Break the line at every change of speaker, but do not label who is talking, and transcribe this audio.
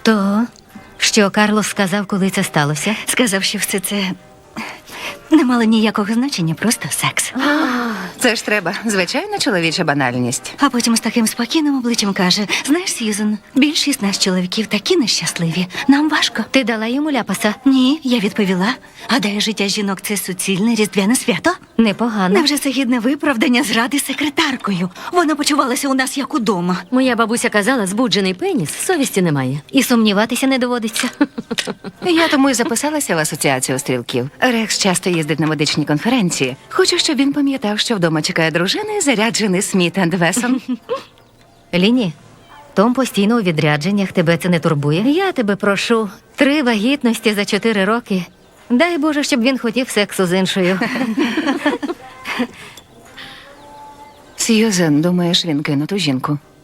То, що Карлос сказав, коли це сталося?
Сказав, що все це не мало ніякого значення, просто секс.
Це ж треба. Звичайна чоловіча банальність.
А потім з таким спокійним обличчям каже: знаєш, Сьюзен, більшість нас чоловіків такі нещасливі. Нам важко.
Ти дала йому ляпаса?
Ні, я відповіла. Гадаю, життя жінок – це суцільне різдвяне свято.
Непогано.
Невже це гідне виправдання зради секретаркою? Вона почувалася у нас як удома.
Моя бабуся казала, збуджений пеніс, совісті немає.
І сумніватися не доводиться.
Я тому й записалася в асоціацію стрілків. Рекс часто їздить на медичні конференції. Хочу, щоб він пам'ятав, що вдома чекає дружина і заряджений Сміт енд Вессон.
Ліні, Том постійно у відрядженнях, тебе це не турбує? Я тебе прошу, 3 вагітності за 4 роки. Дай Боже, щоб він хотів сексу з іншою.
Сьюзен, думаєш, він кинув ту жінку?